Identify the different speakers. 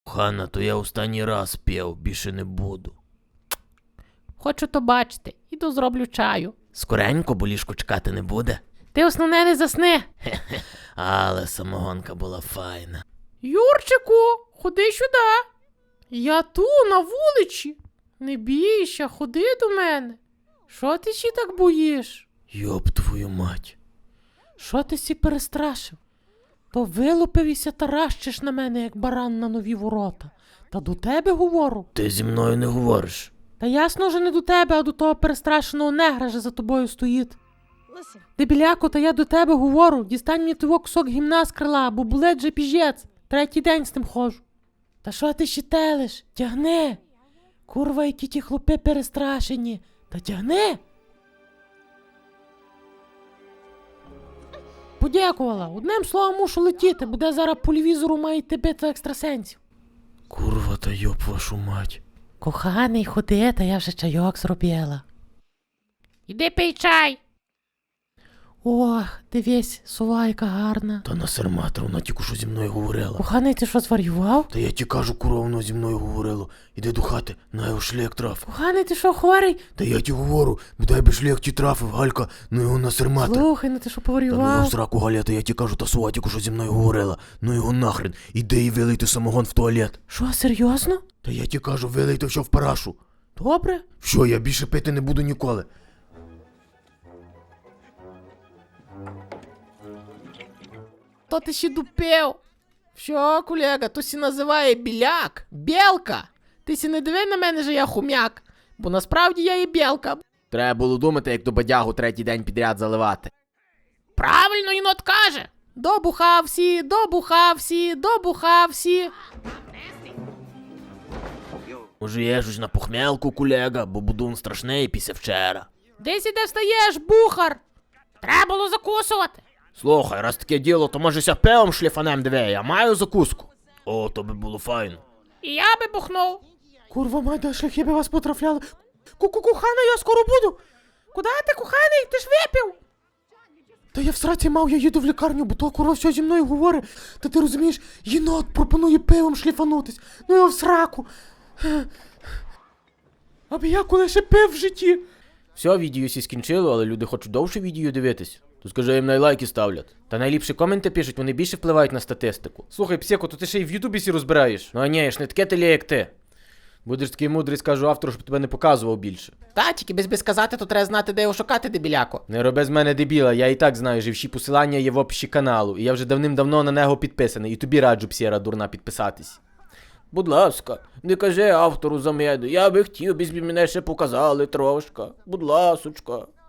Speaker 1: Ханна, то я останній раз п'яв, більше не буду.
Speaker 2: Хочу то бачити. Іду зроблю чаю.
Speaker 1: Скоренько, бо ліжко чекати не буде.
Speaker 2: Ти основне не засни.
Speaker 1: Але самогонка була файна.
Speaker 2: Юрчику, ходи сюди. Я ту, на вулиці. Не бійся, ходи до мене. Що ти ще так боїш?
Speaker 1: Йоп твою мать.
Speaker 2: Що ти сі перестрашив? То вилупився таращиш на мене, як баран на нові ворота. Та до тебе говорю.
Speaker 1: Ти зі мною не говориш.
Speaker 2: Та ясно вже не до тебе, а до того перестрашеного негра, що за тобою стоїть. Дебіляко, та я до тебе говорю. Дістань мені того кусок гімна з крила, бо болить же піжець. Третій день з тим ходжу. Та що ти ще телиш? Тягни. Курва, які ті хлопи перестрашені. Та тягни. Подякувала. Одним словом мушу летіти, буде зараз по телевізору мають битва екстрасенсів.
Speaker 1: Курва та йоп вашу мать.
Speaker 2: Коханий, ходи, та я вже чайок зробила. Іди пий чай. Ох, дивись, сова яка гарна.
Speaker 1: Та насерматра, вона тільки що зі мною говорила.
Speaker 2: Коханий, ти що, зварював?
Speaker 1: Та я ті кажу, курва, воно зі мною говорило. Іди до хати, на його шлях траф.
Speaker 2: Коханий, ти що, хворий?
Speaker 1: Та я ті говорю, бодай би шлях ті трафив, Галька, ну його насерматра.
Speaker 2: Слухай, ну ти що
Speaker 1: Та ну його в
Speaker 2: поварював?
Speaker 1: сраку, Галя, та я ті кажу, та сова тільки що зі мною говорила. Ну його нахрен, іди і вилийте самогон в туалет.
Speaker 2: Що, серйозно?
Speaker 1: Та я ті кажу, вилийте все в парашу.
Speaker 2: Добре.
Speaker 1: Що, я більше пити не буду ніколи.
Speaker 2: То ти ще дупев. Що, колега, то сі називає біляк, білка. Ти сі не диви на мене, що я хумяк, бо насправді я і білка.
Speaker 3: Треба було думати, як до бадягу третій день підряд заливати.
Speaker 2: Правильно єнот каже. Добухавсі, добухавсі, добухавсі.
Speaker 1: Може є щось на похмелку, колега, бо будун страшний після вчора.
Speaker 2: Десь іде встаєш, бухар. Треба було закусувати.
Speaker 3: Слухай, раз таке діло, то може ся пивом шліфанем диви, я маю закуску.
Speaker 1: О, то би було файно.
Speaker 2: І я би бухнув.
Speaker 4: Курва, мать, да шляхи би вас потрафляли. Кухана, я скоро буду.
Speaker 2: Куда ти, коханий? Ти ж випив.
Speaker 4: Та я в сраці мав, я їду в лікарню, бо то курва все зі мною говорить. Та ти розумієш, єнот пропонує пивом шліфанутись. Ну його в сраку. Аби я коли ще пив в житті.
Speaker 3: Все, відео сі скінчило, але люди хочуть довше відео дивитись. То скажи, їм найлайки ставлять. Та найліпші коменти пишуть, вони більше впливають на статистику. Слухай, псеко, то ти ще й в ютубі сі розбираєш. Ну а ні, я ж не таке теле, як ти. Будеш такий мудрий, скажу автору, щоб тебе не показував більше.
Speaker 2: Та, тільки без сказати, то треба знати, де його шукати, дебіляко.
Speaker 3: Не роби з мене дебіла, я і так знаю, що всі посилання є в описі каналу, і я вже давним-давно на нього підписаний, і тобі раджу, псєра дурна, підписатись. Будь ласка, не кажи автору за мене, я би хотів, без мене ще показали трошка. Будь ласочка.